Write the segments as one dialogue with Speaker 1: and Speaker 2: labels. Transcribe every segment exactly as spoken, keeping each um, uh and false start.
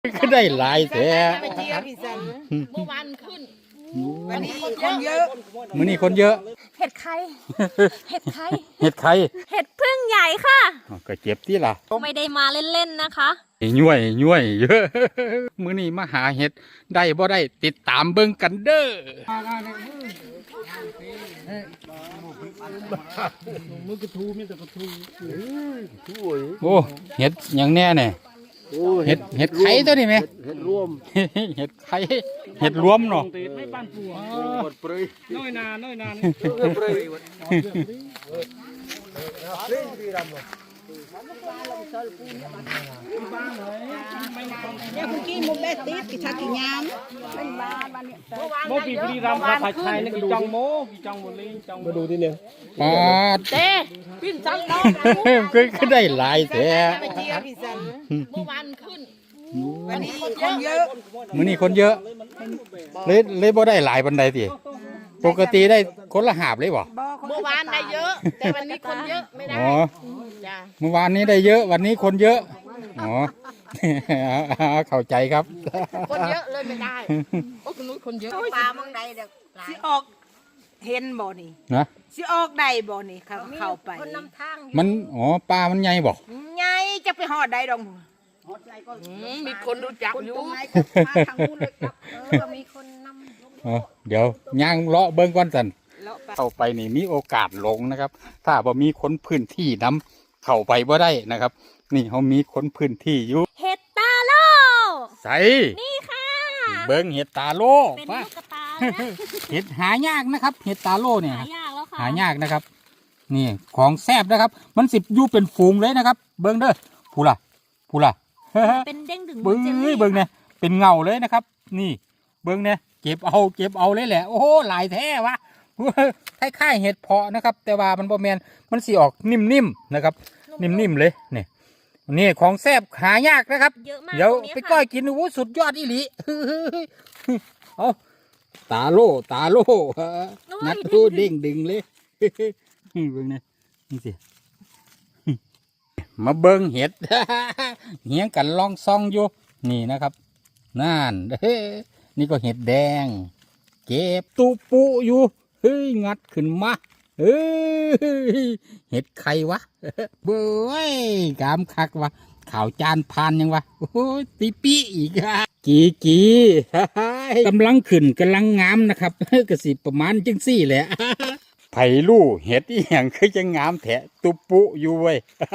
Speaker 1: ก็ได้หลายแท้
Speaker 2: เมื่อวานขึ้นวันนี้
Speaker 3: คนเยอะ
Speaker 1: มื้อนี้คนเยอะ
Speaker 3: เห็ดไข่เห็ดไข่
Speaker 1: เห็ดไข่
Speaker 3: เห็ดพึ่งใหญ่ค่ะ
Speaker 1: ก็เจ็บที่ล่ะ
Speaker 3: ไม่ได้มาเล่นๆนะคะ
Speaker 1: ย่วยย่วยเยอะมื้อนี้มาหาเห็ดได้บ่ได้ติดตามเบิ่งกันเด้อโอ้เห็ดอย่างแน่เนี่ยเห็ดเห็ดไข่ตัวนี้ไหมเห็ดรวมเห็ดไข่เห็ดรวมเนาะ
Speaker 4: ไม่บ้านปัวน้อยนาน้อยนา
Speaker 2: เนี่ยคุณกี้มุกได้ติดกิชากิยามเป็นบ้านบ้านเนี่ย
Speaker 4: โมปีบุรีรัมย์ผัดไทยนี่กี่จังโมกี่จังหมดเลยจังมาดูที่เนี่ย
Speaker 1: ปาด
Speaker 2: เต้ปิ้นจังน้อง
Speaker 1: ก็ก็ได้หลายแท้
Speaker 2: เมื่อวานขึ้นวันนี้คนเยอะ
Speaker 1: มื้อนี้คนเยอะเลยเลยบ่ได้หลายปานใดติปกติได้คนละหาบเลยบ่
Speaker 2: เมื่อวานได้เยอะ แต่วันนี้คนเยอะไม่ได้
Speaker 1: อ๋อ
Speaker 2: จ้ะ
Speaker 1: เมื่อวานนี้ได้เยอะวันนี้คนเยอะอ๋อ เข้าใจครับ
Speaker 2: คนเยอะเลยไม่ได้โอ้คุณนุ้ยคนเยอะปลาเมืองใดเด็กสิออกเห็นบ่นี่
Speaker 1: นะ
Speaker 2: สิออกใดบ่นี่เขาเข้าไปคนนำทาง
Speaker 1: มันอ๋อปลามันใหญ่บ่
Speaker 2: ไงจะไปหอดใดดองมีคนรู้จักอยู่ทางนู้นเลยครับเออมีคนนำ
Speaker 1: อ๋อเดี๋ยวย่างเลาะเบิ่งก่อนสันเข้าไปนี่มีโอกาสหลงนะครับ ถ้าบ่มีคนพื้นที่นำเข้าไปบ่ได้นะครับ นี่เขามีคนพื้นที่อยู่
Speaker 3: เห็ดตาโล
Speaker 1: ใส่
Speaker 3: นี่ค่ะ
Speaker 1: เบิ่งเห็ดตาโล
Speaker 3: เป็น
Speaker 1: มา
Speaker 3: ลูกกระตาเลยนะ
Speaker 1: เห็ดหายากนะครับ เห็ดตาโลเนี่ย
Speaker 3: หายากแล้วค่ะ
Speaker 1: หายากนะครับ นี่ของแซ่บนะครับ มันสิบอยู่เป็นฝูงเลยนะครับ เบิ่งเด้อผู้ล่ะผู้ล่ะ
Speaker 3: เป็นเด้งดึง
Speaker 1: เบิ้ง
Speaker 3: จลลี่
Speaker 1: เบิ้งเนี่ยเป็นเงาเลยนะครับ นี่เบิ้งเนี่ยเก็บเอาเก็บเอาเลยแหละโอ้โหหลายแท้วะคล้ายๆเห็ดเพาะนะครับ แต่ว่ามันบ่แมนมันสีออกนิ่มๆนะครับ นิ่มๆเลยนี่นี่ของแซ่บหายากนะครับ
Speaker 3: เยอะมาก
Speaker 1: เดี๋ยว
Speaker 3: ตรงนี้
Speaker 1: ไป
Speaker 3: ค่ะ
Speaker 1: ก้อยกินโอ้โหสุดยอดอีหลีเอาตาโลตาโลนัดดูเด้งดึงเลยเบิ้งเนี่ยนี่สิมาเบิ้งเห็ด เหียงกันลองซองอยู่นี่นะครับนั่นเฮ้นี่ก็เห็ดแดงเก็บตุปุอยู่เฮ้ยงัดขึ้นมาเฮ้ยเห็ดไข่วะเบ้ยกามคักวะข่าวจานพานยังวะโอ้ยปีปีอีกอะกีกีกำลังขึ้นกำลังงามนะครับกระสิประมาณจังสี่แหละไผ่ลู่เห็ดอีหยังคือจะงามแถะตุปุอยู่เว้ย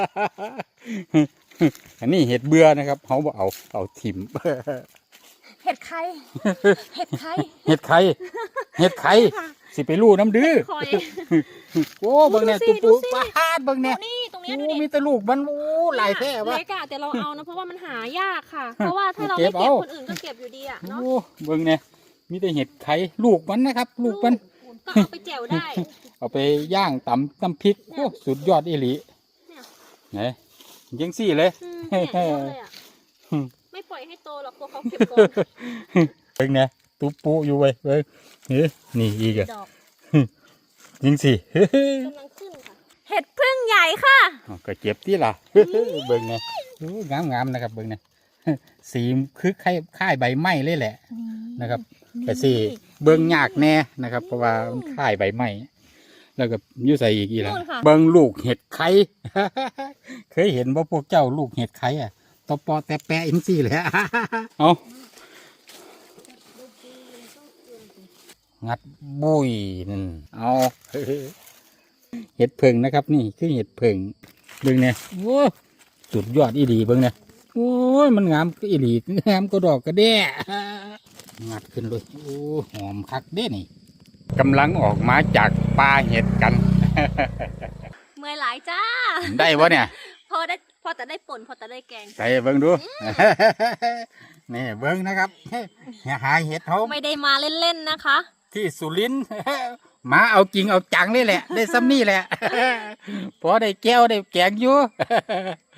Speaker 1: อันนี้เห็ดเบื่อนะครับเขาบอกเอาเอาถิ่ม
Speaker 3: เห็ดไข่เห็ดไข่
Speaker 1: เห็ดไข่เห็ดไข่สิไปลู่น้ำดื้อ
Speaker 3: คอย
Speaker 1: โอ้เบิ่งเนี่ย
Speaker 3: ดู
Speaker 1: ตุ
Speaker 3: สิ
Speaker 1: ปุ
Speaker 3: ดูสิ
Speaker 1: ปาดเบิ่งเนี่ย
Speaker 3: นี่ตรงเนี้ย
Speaker 1: โอ้
Speaker 3: ดูดิ
Speaker 1: มีแตะลูกมันโอ้หลายแท้วะ
Speaker 3: เล็กอะแต่เราเอานะเพราะว่ามันหายากค่ะ เพราะว่าถ้าเรา
Speaker 1: เก็
Speaker 3: ไม่
Speaker 1: บ
Speaker 3: เก็บ
Speaker 1: เอา
Speaker 3: คนอื่นก็เก็บอยู่ดีอะ
Speaker 1: โอ้
Speaker 3: เนาะ
Speaker 1: เบิ่งเนี่ยมีแต่เห็ดไข่ลูกมันนะครับ ลูกมัน
Speaker 3: ก็เอาไปแจ่วได้
Speaker 1: เอาไปย่างตำน้ำพริกโอ้สุดยอดอีหลี
Speaker 3: เนี่ย
Speaker 1: ไหนยังสี่เลย
Speaker 3: อืมเนี่ยเยอะเลยอะไม่ปล่อยให้โตหรอกตัวเขาเก็บก่อน
Speaker 1: เบิ่งเนี่ยตุปุอยู่เว้ยเบิ่งเฮ้ยนี่อีกอะ
Speaker 3: ดอก
Speaker 1: ยิงสิ
Speaker 3: กำลังขึ้นค่ะเห็ดพึ่งใหญ่ค่ะ
Speaker 1: อ๋อก็เจ็บที่ล่ะ เบิ่งเนี่ยงามงามๆนะครับเบิ่งเนี่ย สีคือคล้ายคล้ายใบไม้เลยแหละนะครับแต่สีเบิ่งยากแน่นะครับ เพราะว่ามันคล้ายใบไม้แล้วก็อยุ่ใส่อีกอีกแล้ว
Speaker 3: นู่นค่ะ
Speaker 1: เบิ่งลูกเห็ดไข่ เคยเห็นว่าพวกเจ้าลูกเห็ดไข่อ่ะตอปอแต่แปะอินซี่เลย เอางัดบุยนั่นเอา เห็ดเพิงนะครับนี่คือเห็ดเพิงเบิ่งเนี่ยโอ้สุดยอดอีหลีเบิ่งเนี่ยโอ้ยมันงามก็อีหลีงามก็ดอกกระแด่งัดขึ้นเลยโอ้หอมคักเด้นี่กำลังออกมาจากป่าเห็ดกัน
Speaker 3: เมื่อยหลายจ้า
Speaker 1: ได้ปะเนี่ย
Speaker 3: พอได้พอแต่ได้ป่นพอแต่ได้แกง
Speaker 1: ใส่เบิ่งดู นี่เบิ่งนะครับ หาเห็ดเขา
Speaker 3: ไม่ได้มาเล่นๆนะคะ
Speaker 1: ที่สุรินทร์ มาเอาจริงเอาจังเลยแหละ ได้ซ้ำนี่แหละ พอได้แก้วได้แกงอยู่